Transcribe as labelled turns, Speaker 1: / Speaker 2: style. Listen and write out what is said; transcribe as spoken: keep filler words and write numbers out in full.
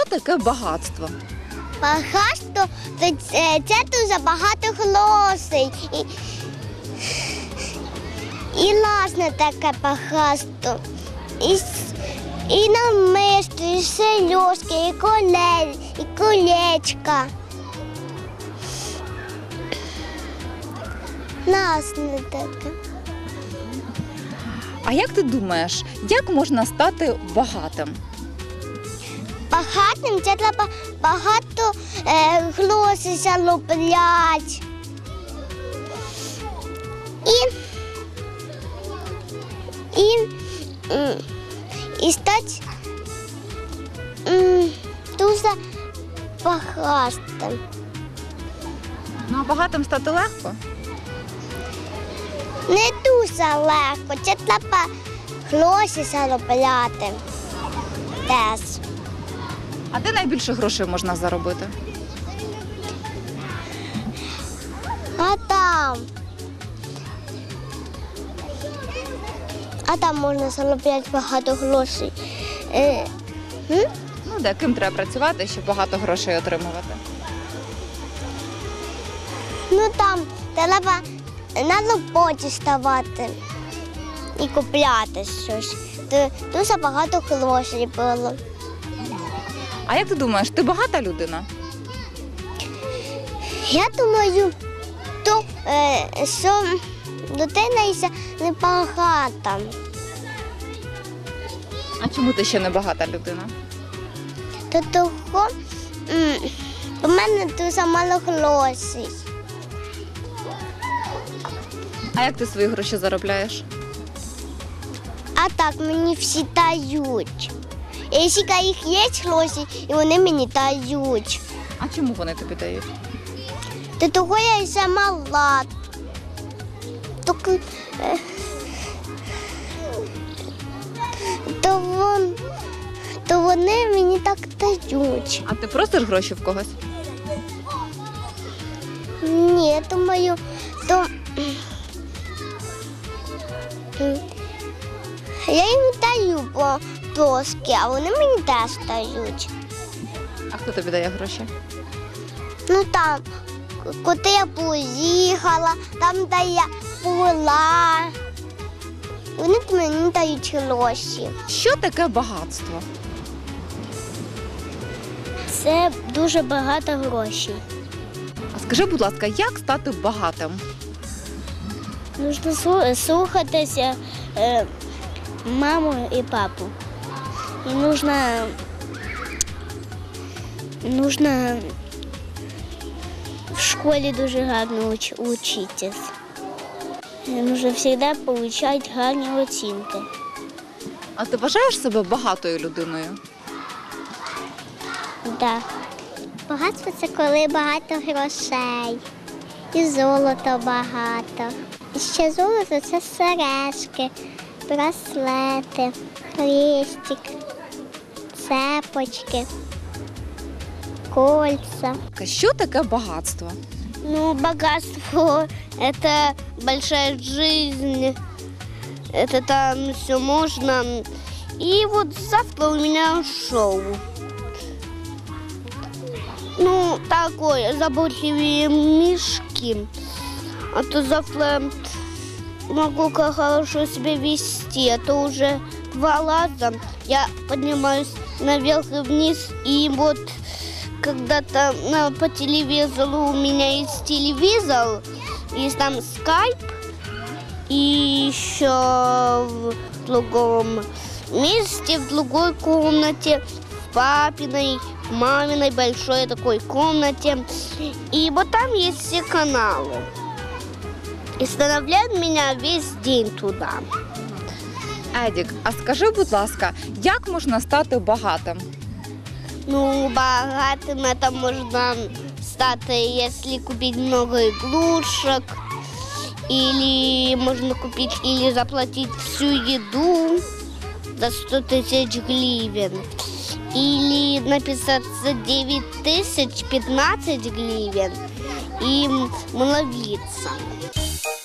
Speaker 1: таке багатство?
Speaker 2: Багатство – це, це дуже багато грошей. І, і власне таке багатство. І, і намисто, і сережки, і коле, і колечка. Власне таке.
Speaker 1: А як ти думаєш, як можна стати багатим?
Speaker 2: Багатим це треба багато е, грошей заробляти. І, і, м, і стати м, дуже багатим.
Speaker 1: Ну, а багатим стати легко?
Speaker 2: Не дуже легко, це треба гроші заробляти теж.
Speaker 1: А де найбільше грошей можна заробити?
Speaker 2: А там. А там можна заробляти багато грошей. Е, м?
Speaker 1: Ну, де ким треба працювати, щоб багато грошей отримувати?
Speaker 2: Ну там треба на роботі ставати і купляти щось. То дуже багато грошей було.
Speaker 1: А як ти думаєш, ти багата людина?
Speaker 2: Я думаю, то, е, що людина ще не багата.
Speaker 1: А чому ти ще не багата людина?
Speaker 2: То того м, у мене дуже мало грошей.
Speaker 1: А як ти свої гроші заробляєш?
Speaker 2: А так мені всі дають. І якщо їх є гроші, і вони мені дають.
Speaker 1: А чому вони тобі дають?
Speaker 2: То того я ще мала. То, е, то, вон, то вони мені так дають.
Speaker 1: А ти просиш гроші в когось?
Speaker 2: Ні, я думаю, то м, я їм даю по трошки, а вони мені теж дають.
Speaker 1: А хто тобі дає гроші?
Speaker 2: Ну там, куди я поїхала, там, де я була. Вони мені дають гроші.
Speaker 1: Що таке багатство?
Speaker 2: Це дуже багато грошей.
Speaker 1: А скажи, будь ласка, як стати багатим?
Speaker 2: Нужно слухатися е, маму і папу. І нужно, нужно в школі дуже гарно уч, учитись. Нужно завжди отримати гарні оцінки.
Speaker 1: А ти вважаєш себе багатою людиною?
Speaker 2: Да. Багатство – це коли багато грошей. І золота багато. І ще золото – це сережки, браслети, хрестик, цепочки, кольца.
Speaker 1: Що таке багатство?
Speaker 2: Ну, богатство – это большая жизнь, это там все можно. И вот завтра у меня шоу. Ну, такое, заботливые мишки. А то завтра могу как хорошо себя вести, а то уже два раза я поднимаюсь наверх и вниз, и вот когда-то на, по телевизору у меня есть телевизор, есть там скайп, и еще в другом месте, в другой комнате, в папиной, в маминой большой такой комнате. И вот там есть все каналы. И вставляют меня весь день туда.
Speaker 1: Едік, а скажи, будь ласка, як можна стати багатим?
Speaker 2: Ну, богатым это можно стать, если купить много игрушек, или можно купить, или заплатить всю еду за сто тысяч гривен, или написать за девять тысяч пятнадцать гривен и молиться.